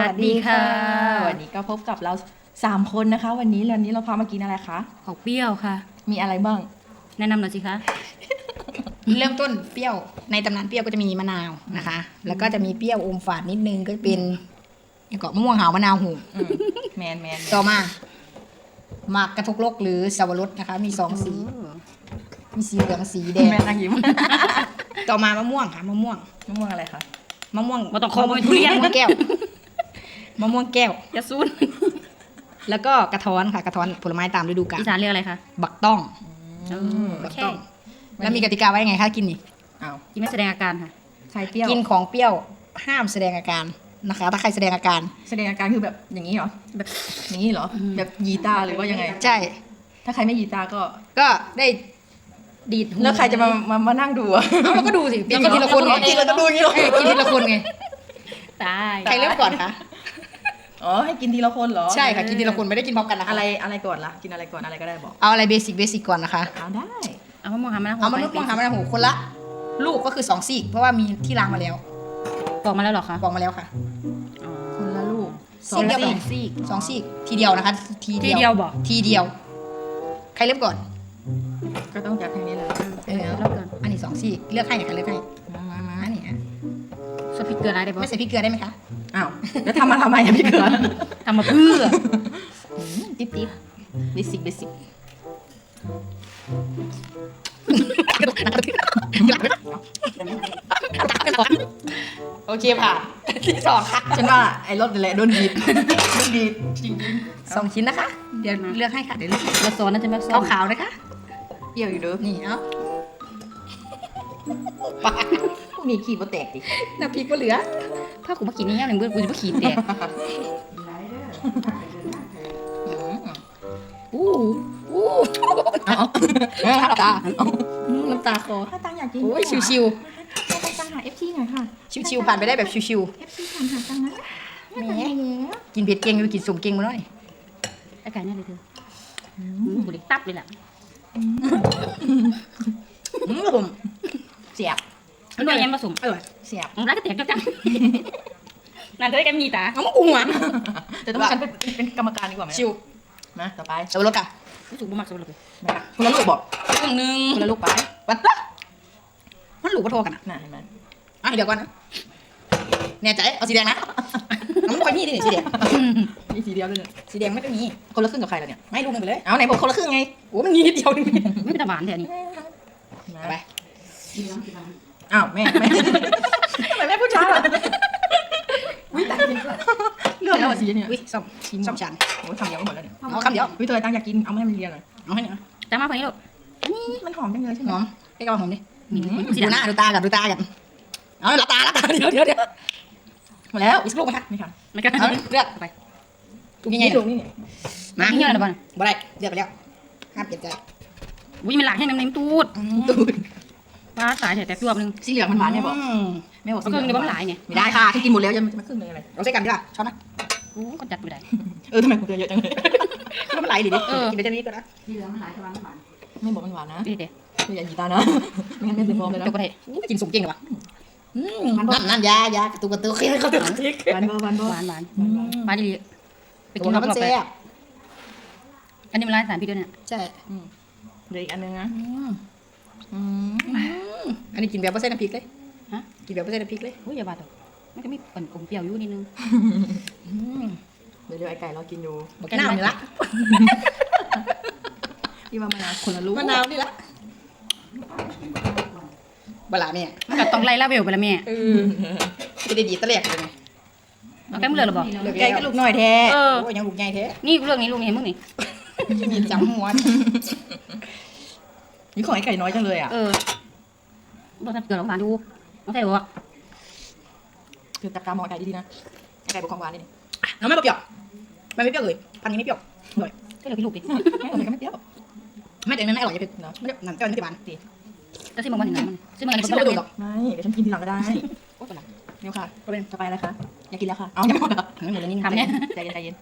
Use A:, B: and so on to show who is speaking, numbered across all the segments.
A: วัสดีค่ะ
B: วันนี้ก็พบกับเรา3คนนะคะ วันนี้เราพามากินอะไรคะ
A: ของเปรี้ยวค่ะ
B: มีอะไรบ้าง
A: แนะนำหน่อยสิคะ
C: เริ่มต้นเปรี้ยวในตำนานเปรี้ยวก็จะมีมะนาวนะคะ แล้วก็จะมีเปรี้ยวอมฝาดนิดนึงก็เป็นอย่างก็มะม่วงหาวมะนาวหู
B: แมน
C: ต่อมาหมากกระทกลกหรือสับปะรดนะคะ มี2สีมีสีเหลืองสีแดง
B: แมนนางยิ้ม
C: ต่อมามะม่วงค่ะมะม่วง
B: มะม่วงอะไรคะ
C: มะม่วง
A: บ่ต้องขอบ่เป็นทุเรียน
C: มะม่วงแก้วมะม่วงแก้ว
A: ยาซูน
C: แล้วก็กระท้อนค่ะกระท้อนผลไม้ตามฤดูกาล
A: อีสานเรียกอะไรคะ
C: บักต้อง
A: โอ
C: บัก
A: เค
C: ต้อง แล้วมีกติกาไว้ยังไงคะกินนี่
B: อ้าว
A: กินไม่แสดงอาการค่ะ
B: ใครเปรี้ยว
C: กินของเปรี้ยวห้ามแสดงอาการนะคะ ถ้าใครแสดงอาการ
B: แสดงอาการคือแบบอย่างนี้เหรอ แบบอย่างนี้เหรอ แบบยีตาหรือว่ายังไง
C: ใช่
B: ถ้าใครไม่ยีตาก็
C: ก็ได้ดีดหู
B: แล้วใครจะมานั่งดูอะ
C: เอาเราก็ดูสิกินทีละคนไง
B: กินแล้วก็ดูอย่างนี้เหรอ
C: กินทีละคนไง
A: ตาย
C: ใครเริ่มก่อนคะ
B: อ๋อ ให้กินทีละคนเหรอ
C: ใช่ค่ะกินทีละคนไม่ได้กินพร้อมกันนะคะ
B: อะไรก่อนล่ะ กินอะไรก่อนอะไรก็ได้บอก
C: เอาอะไรเบสิกก่อนนะคะ
B: เอาได้
A: เอามะม่วงหามะนาว
C: เอามะม่วงหามะนาวโหคนละลูกก็คือ2ซีกเพราะว่ามีที่ล้างมาแล้ว
A: บอกมาแล้วเหรอคะ
C: บอกมาแล้วค่ะ
A: อ๋อ
B: คนละลูก
C: ซีกเดียว
A: สองซีก
C: สองซีกทีเดียวนะคะ
A: ทีเดียวบอก
C: ทีเดียว ใครเริ่มก่อน
B: ก็ต้องจากทางนี้เลย
A: แล้วกัน
C: อันนี้2ซีกเลือกให้หน่อยค่ะเลือกให้มาอันนี้อ่ะ
A: สปิกเกอร์อะไรได้ปะ
C: ไม่ใส่พริกเกลือได้ไหมคะ
B: อ้าวแล้วทำมาทำไมอะพี่เกลือ
A: ทำมาเพื่อ
B: ติ๊บเบสิก
C: โอเคผ่านที่สองค่ะ
B: ฉันว่าไอ้รถนี่แหละโดนดีดจริง
C: 2ชิ้นนะคะ เดี๋ยวเลือกให้ค่ะเดี๋ยวเลือก
A: แล้วโซนนั่นใช่ไหมโซน
C: ขาวๆนะคะ
B: ๆเปรี้ยวอยู่เด้อ
C: นี่เอา
B: พวกนี้ขี้บ่แตกดิ
C: น้ำพริกก็เหลือ
A: ถ้ากูมากินนี่ยังหนึ่งเบื่อกูจะมาขีดแตก
C: อู้อู้น้ำตาน้ำตาคอ
B: ถ้าตังอยากกิน
C: โอ้ยชิว
B: ให้ตังหา FT หน่อยค่ะ
C: ๆชิวๆผ่านไปได้แบบชิว
B: FT ผ่านหาตังนะ
C: ๆแหมกินเผ็ดเก่งอยู่กินสมเก่งมาหน่อย
A: ไอ้ไก่เนี่ยเลยเธอบุหรี่ตับเลยแหละ
C: ผมเสียบ
A: มันด้วยยังผสม
C: อร่อย
B: เสียบ
A: มันรักกระเตียกจังนั่นจะได้กันมีตา
C: เอามาอุ้งอ่ะ
B: แต่ต้องฉันเป็นกรรมการดีกว่าไหม
C: ชิว
B: นะต่อไป
C: สับปะรดอ่ะ
A: รู้สึกบุมักสุดเลย
B: คนละลูกบอก
C: ครึ่งนึง
B: คนละลูกไป
C: วัดปะมันหลูกปะโทกันอ่ะ
B: น่ะเห็นไหม
C: อ่ะเดี๋ยวก่อนนะแน่ใจเอาสีแดงนะน้ำมันคอยมีดิสีแดง
B: มีสีเดียวด้วยเนี่ย
C: สีแดงไม่ต้องมี
B: คนละครึ่งกับใครล่ะเนี่ย
C: ไม่ลูกหนึงไปเลย
B: เอาไหนบอกคนละครึ่งไง
C: โอ้มันมีนิดเดียวนึง
A: ไม่เป็นตาหวานแถวนี้
C: เอาไป
B: อ้าวแม่ทำไมแม่พูดช้าล่ะอุ้ยตายจริงเลือกแล้วอ่ะสีเนี่ย
C: อุ้ยส้มส้มฉัน
B: โอ้ยทำเดียวก็หมดแล้วเนี่ย
C: เอาคำเดียว
B: อุ้ยเธอตังอยากกินเอามาให้มันเรียนหน่อย
C: เอาให้หน่อยนะ
A: จะมาคนนี้ลูก
B: มันหอมจังเลยใช่ไห
C: ห
B: ม
C: อมให้กระหอมดิ
A: มี
C: ดูหน้าดูตากันดูตากันเอาหลับตาเดี๋ยว
B: หมดแล้ว
C: อีกสักลูกไหมคะ
B: นี่ค่ะ
A: ไม่กัน
C: เอาเลือก
A: ไป
C: ถูกยังไง
B: นี่ลูกนี่เนี่ย
C: มา
A: เงี้ยอะไรบ้าง
C: บ่ได้เลือกไปแล้วห้ามเปลี่ยนใจ
A: อุ้ยมันหลายให้น้ำเน้มตูด
C: ตูด
A: ปลาสายแต่ตัวนึง
B: สีเหลืองมันหวานเนี่ยบอกแม่บอก
A: ก็คือเดี๋ยวมันหลายเนี่ย
B: ไม่ได้ค่ะที่กินหมดแล้วจะมาครึ่งเลยอะไร
C: เราใช้กันดีกว่าช้อนนะ
A: โอ้ก็จัดไม่ได้
B: ทำไมผมเจอเยอะจังเลย
C: คือมันไหลดิ
A: เออ
C: กินไปเท่านี้ก็ได้
B: ไม่บอกมันหวานนะ
A: นี่เด็ด
B: คืออย่าหยีตานะไม่งั้นแม่เป็นฟองเลยนะ
A: จบไปเลย
C: กินสุกเก่งเลยวะนั่นยากระตุกเขาตุก
B: หวานบ่หวานบ่
A: หวานหวานดีไป
C: ไป
A: กิ
C: กิ
A: น
C: น
A: ร
C: มัน
A: อบๆ
C: แซ่
A: ไป
C: บ
A: อันนี้มันร้านสารพิษด้วยเนี่ย
C: ใช่
B: เดี๋ยวอีกอันนึงนะ
C: อันนี้กินแบบไม่ใส่น้ำพริกเลย
A: ฮะ
C: กินแบบไม่ใส่น้ำพริกเลย
A: อุ้ยอย่าบาดตกมันก็มีอมเปรี้ยวอยู่นิดนึง
B: เดี๋ยวไอ้ไก่เรากินอยู่
C: บอกน้ำนี่ละ
B: ที่ว่ามะนาวคนละลูก
C: มะนาวนี่ละบลาเนี่ย
A: มันก็ต้องไล่ลาเวลไปละแม่
C: จะได้ดีตะแหลกเลยไง
A: เอาแก้มเลือดหรอบอก
B: ไก่ก็ลูกน้อยแท้
A: เออ
C: โอ้ยยังลูกใหญ่แท้
A: นี่เรื่องนี้ลุงเห็นมึงนี่
C: มีจำหัว
B: นี่ของไอ้ไก่น้อยจังเลยอ่ะ
A: เออเราทำเกิดของหวานดูน้องใส่หัว
B: คือจับตามองไก่ดีๆนะไอ้ไก่บอกความหวานนี่
C: น้ำไม่เปรี้ยวมันไม่เปรี้ยวเลยพันนี้ไม่เปรี้ยวอร่อย
A: ก็เลยพี่ลูกดิ
B: ไม่อะไรก็ไม่เปรี้ยว
C: ไม่แต่มันไม่อร่อยจะเป็น
B: เนาะ
C: ไม่ได้หนังเจ้านี่จะหวานดี
A: จะซิมมันอย่างนั้นซิมมัน
C: อัน
A: กั
C: นี้
A: น
C: ไม่
A: เป็น
C: ได้
A: เ
C: หรอก
B: ไม่เดี๋ยวฉันกินทีหลังก็ได้
C: โอ้ยหลัง
B: เดี๋ยวค่ะก็เป็นจะไปอะไรคะอยากกินแล้วค่ะเอายังไม่หมดเหรอ
C: ไม่หมดเลยนี่
A: ทำเนี่ย
B: ใจเย็น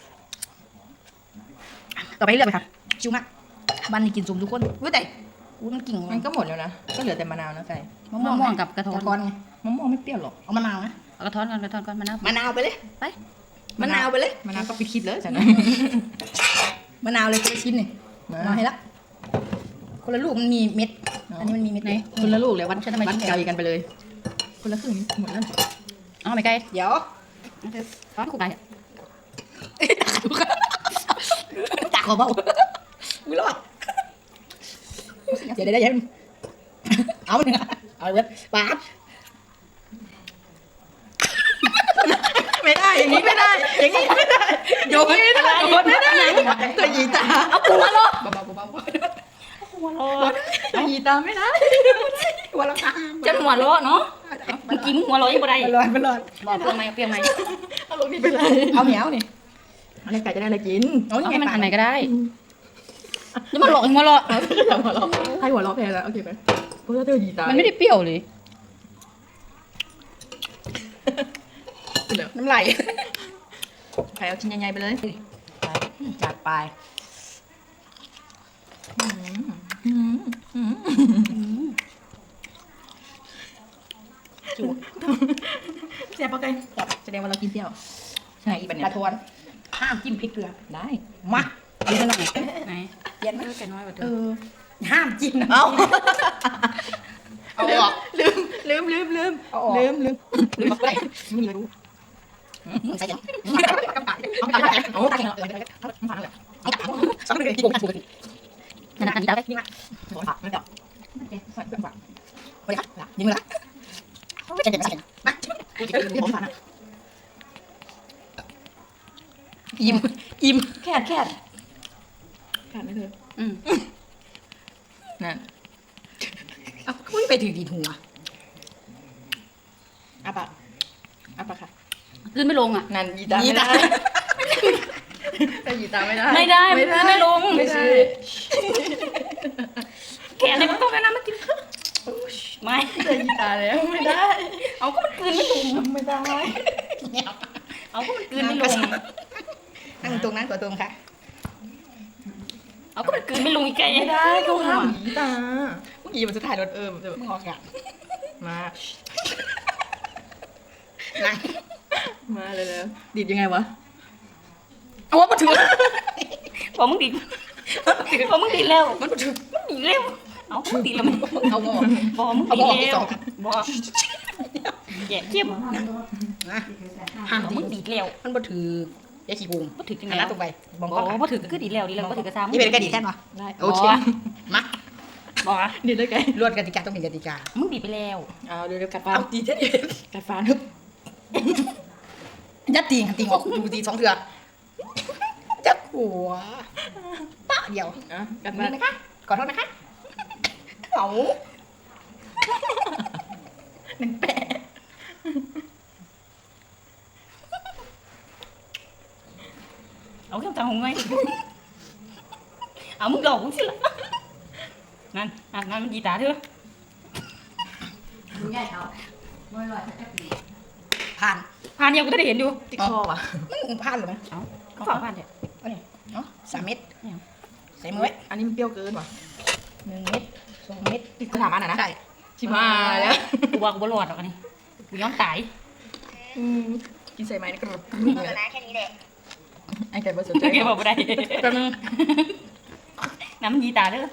C: ต่อไปเลือกไปค่ะชิวมากบ้านนี้กินสุ่มทุกคนอุ้ยแต่อุ้ยมันกิ่ง
B: มันก็หมดแล้วนะก็เหลือแต่มะนาวนะไก่
A: มะม่วงกับกระท้อน
C: ก้อนไง
B: มะม่วงไม่เปรี้ยวหรอก
C: เอามะนาวนะ
A: เอกระท้อนก่อนกระท้อนก่อนมะนาว
C: มะนาวไปเลย
A: ไป
C: มะนาวไปเลย
B: มะนาวก็ปิดคลิปเลยจ้ะนะ
C: มะนาวเลยคนละชิ้นหนึ่งมาให้ละคนละลูกมันมีเม็ด อันนี้มันมีเม็ด
A: ไหน
C: ไหน
A: คนละลูกเลยวันฉันทำไม
B: วัด
A: กิน
B: ไกล
A: ไก่
B: กันไปเลย คนละครึ่งหมดแล้ว
A: อ๋อไม่ไก่
C: เดี๋ยว
A: ร้อนคู่ไก่
C: ตาขอเบาอุ้ยรอดเดี๋ยวเดี๋ยวเอาหนึ่งเอาเว็บปาด
B: ไม่ได้อย่างนี้ไม่ได้ อย่างนี้ไม่ได้โยนไม่ได้โยนไม่ได้ตัวยีตาเอาหัวลงเบาๆเบาๆ
A: หัวโล
B: ตัวยีตาไม่ได้
C: หัวเราะตา
A: จะหัวโลเนาะเมื่อกี้มึงหัวโลยังบ่ได้
C: มันรอดมันรอด
A: บอกเปรี้ยวไหมเปรี้ยวไหม
B: เอาลงนี่ไปเลย
C: เอาเหนียวนี่
B: อะไรไก่จะได้อะไรกิน
C: เอา
A: เอา
C: นี่
A: ให้
C: ไง
A: มัน
C: ปา
A: อั
C: ด
A: นไหนก็ได้แล้วมันหลอกหัวโล
B: อย่าหัวเราะให้หัวเราะแพ้แล้วโอเคไหมเพราะว่าเธอยีตา
A: มันไม่ได้เปรี้ยวเลย
B: เดี๋ยว
C: น้ำไหล
B: ใครเอาชิ้นใหญ่ๆไปเลย
C: จัดไป
B: จุ๊บเสียบปะไก่แสดงว่าเรากินเปรี้ยวใช่อีบันเนี่
C: ก
B: ย
C: ระทวนห้ามจิ้มพริกเกลือ
B: ได้
C: มา
A: ดูซะหน่อยไหน
C: เปลี่ยน
A: ไก่น้อยกว่าเธ
B: เอ
A: อ
B: อ
C: ห้ามจิ้มนะ
B: เอา
C: เอาออก
B: ลืม
C: เอาออก
B: ลืม
C: ลืมไปไม่มีรู้ใส่ยังเอาไปเอาตาแข็งเอาฟังเลยเอาตาสองเลยที่ผมปกติ
A: นั่นอันนี้ได้
C: นี่มาหัวผักไม่ดอกใส่เครื่องฝังโอเคครับยิงเลยละจะเด็ดใส่มาผมฟังนะอิ่ม
B: แค่ขาดไหมเธอ
A: อืม
B: นั่น
C: เอาคุยไปถึงดีหัว
B: อาปากค่ะ
A: ขึ้นไม่ลงอ่ะ
B: นั่นยีตาไม่ได้แต่ยีตาไม่ได้
A: ไม่ได้ไม่ลง
B: ไม่ได้
A: แกะอะไรมันต้องกันนะมันกินไม่
B: แต่ยีตาแล้วไม่ได้
A: เอาก็มันกลืนไม่ลง
B: ไม่ได้
A: เอาก็มันกลืนไม่ลง
C: นั่งตรงนั้นกว่าตรงค่ะ
A: เอาก็มันกลืนไม่ลงอีกไก่
B: ไม่ได้เขาห้ามยีตาเมื่อกี้มันจะถ่ายรถเดี๋ยว
C: มึงออกกัน
B: มา
C: นั่ง
B: มาเลยแล้วดีดยังไงวะ
C: เอาว่ามาถือ
A: พอมึงดิพอมึงดิแล้ว
C: มันมาถือ
A: มันดิแล้วเอามึงดิแล้วมัน
C: เอางอ
A: พอมึง
C: เอา
A: ดิ
C: บอกที่
A: แล้
C: ส
A: ว
C: อง
A: บอกแกะเข้ม
C: นะห้าม
A: มึ
C: ดี
A: งดิแล้ว
C: มันมาถือยาขี้ปูม
A: บ่ถือจัง
C: หันห
A: ไง
C: น้าตรงไปมอง
A: บ
C: กล้
A: อ
C: อง
A: กว่าถือก็คือดีแล้วดีแล้วบ่ถือกระซ้ำ
C: นี่เป็นกติกาแค่ปะ
B: ได้
C: โอเคมา
A: บอกอ่ะ
B: ดีดได้ไง
C: ลวดกติกาต้องเป็นกติกา
A: มึงดิไปแล้ว
B: เอาเร็วๆกัดฟัน
C: เอาตีเท่ดี
B: กัดฟันฮึบ
C: ยัดตีงตีงออกดูตีสองเถื่อจับหัวปะเดียว
B: อ่ะกัด
C: นี่
B: ฟัน
C: นะคะขอโทษนะคะเอา
B: หนึ่งแปะ
A: เอาเครื่องจังหงไงเอามึงหลอกกูสิล่ะนั่นนั่นมันยีตาเถอะ
C: ผ่าน
A: ผ่านเดียวกูจะได้เห็นอยู่
B: ติดคอว่ะ
C: มันผ่านหรือไหม
A: เอาก็ฝากผ่านเถอะ
C: เอาเนี่ยเนาะ3 เม็ด
A: เนี่ย
C: ใส่มือไว้
B: อันนี้มันเปรี้ยวเกินว่ะ
C: 1 เม็ด2 เม็ด
B: กูถามอันน่ะนะ
C: ใช่
B: ชิมาแล้ว
A: กูว่ากูบ่รอดหรอกอันนี้กูยอมตาย
B: กินใส่ไม้นี่ก็แบบ
C: นะแค่นี้แหละ
B: ไอ้ไก่ผสมใจ
A: แกบอกบ่ได้แป๊บนึงน้ำมันยีตาเด้อ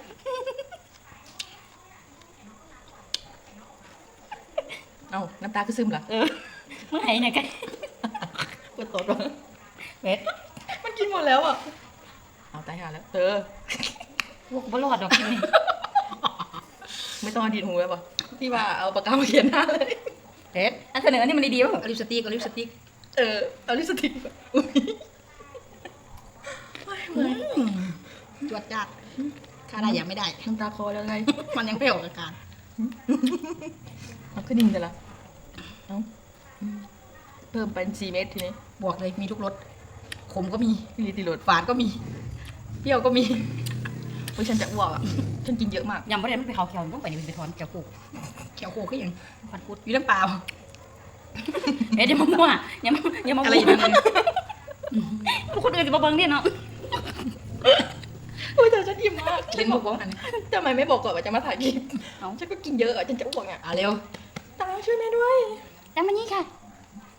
B: เอ้าน้ำตาก็ซึมเหรอ
A: เมื่อไหร่เนี่ยกัน
B: ปวดตดว่ะ
A: เบ็ด
B: มันกินหมดแล้วอ่ะเอาตายห่าแล้วเธอ
A: พวกกูบ่รอดหรอกทีนี้
B: ไม่ต้องเอาดีดหูแล้วป่ะที่ว่าเอาปากกามาเขียนหน้าเลย
C: เด็ด
A: อันเสนออันนี้มันดีๆป่ะ
C: เอาลิปสติกเอาลิปสติก
B: เอาลิปสติกแบบอุ้ย
C: จวดจัดถ้าได้ยังไม่ได้
B: น้ำตาคอแล้วไง
C: มันยังไม่ออกอาการ
B: เอาขึ้นดิ่งแต่ละเอาเพิ่มเป็น4 เม็ดทีนี้
C: บอกเลยมีทุกรสขมก็มี
B: พี่ลิติโรด
C: ฝาดก็มี
B: เปรี้ยวก็มีเพราะฉันจะอ้วกอ่ะฉันกินเยอะมาก
A: ยำบ่ได้มันไปเขาเขียวต้องไปนี่มันไปถอนแก้วกู
C: เขียวโคก็ยัง
A: พันกุด
C: มีน้ำเปล่า
A: เอ๊ะอย่ามามั่วอย่ามา
C: อะไร
A: มั่
C: อี
A: ว
C: กนั่น
A: พวกคนอื่นจะมาเบิ่งเนี่ยเนาะ
B: อุ้ยแต่ฉันอิ่มมาก
C: เล่นมุกบ้องอันนี้
B: ทำไมไม่บอกก่อนว่าจะมาถ่ายคลิป
A: เอา
B: ฉันก็กินเยอะอ่ะฉันจะอ้วกอ่ะ
C: เร็ว
B: ตาช่วยแม่ด้วย
A: จำมันนี่ค่ะ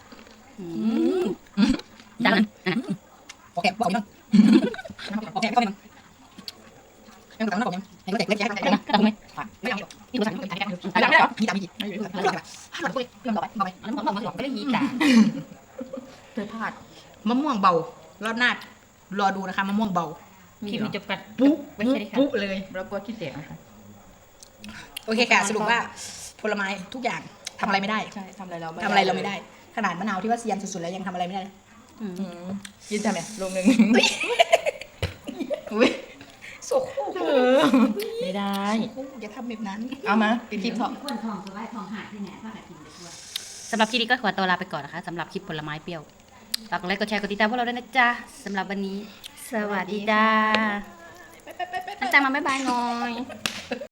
A: จานนั้น
C: โอเคบอกยังโอเคเข้าไปมั้งยังต่างกันผมยังให้ก็แตกเล็กแยะ
A: ตัดไหม
C: ไม่เอา
A: นี่ตัวสั่ง
C: ไม่ได้หรอมีตามีจีไม่รู้อะไรห้ามไปเรื่องต่อไปมาไป
A: แล้วผมบอกไม่ได้ยีจ่า
B: เธอพลาด
C: มะม่วงเบารอบหน้ารอดูนะคะมะม่วงเบา
A: คลิปนี้จบกัน
B: ปุ๊บ
A: ไม่ใช่ค่ะ
C: ปุ๊เลย
B: แล้วก็ขี้เตะนะคะ
C: โอเคค่ะสรุปว่าผลไม้ทุกอย่างทำอะไรไม่ได้
B: ใช่ทำอะไรเรา
C: ทำอะไรเราไม่ได้ ขนาดมะนาวที่ว่าเซียนสุดๆแล้วยังทำอะไรไม่ได้เลย
B: กินทำไมลงหนึ่งอุ้ย
C: โซโค
B: ไม่ได้
C: อย่าทำแบบนั้น
B: เอามาปิดคลิปเถอะ
A: คนทองสบายทองหายที่ไหนผ้าหากินไปทั่วสำหรับคลิปนี้ก็ขอตัวลาไปก่อนนะคะสำหรับคลิปผลไม้เปรี้ยวฝากกดไลค์กดแชร์กดติดตามพวกเราด้วยนะจ๊ะสำหรับวันนี้ สวัสดีจ้าจ้ามาบ๊ายบายหน่อย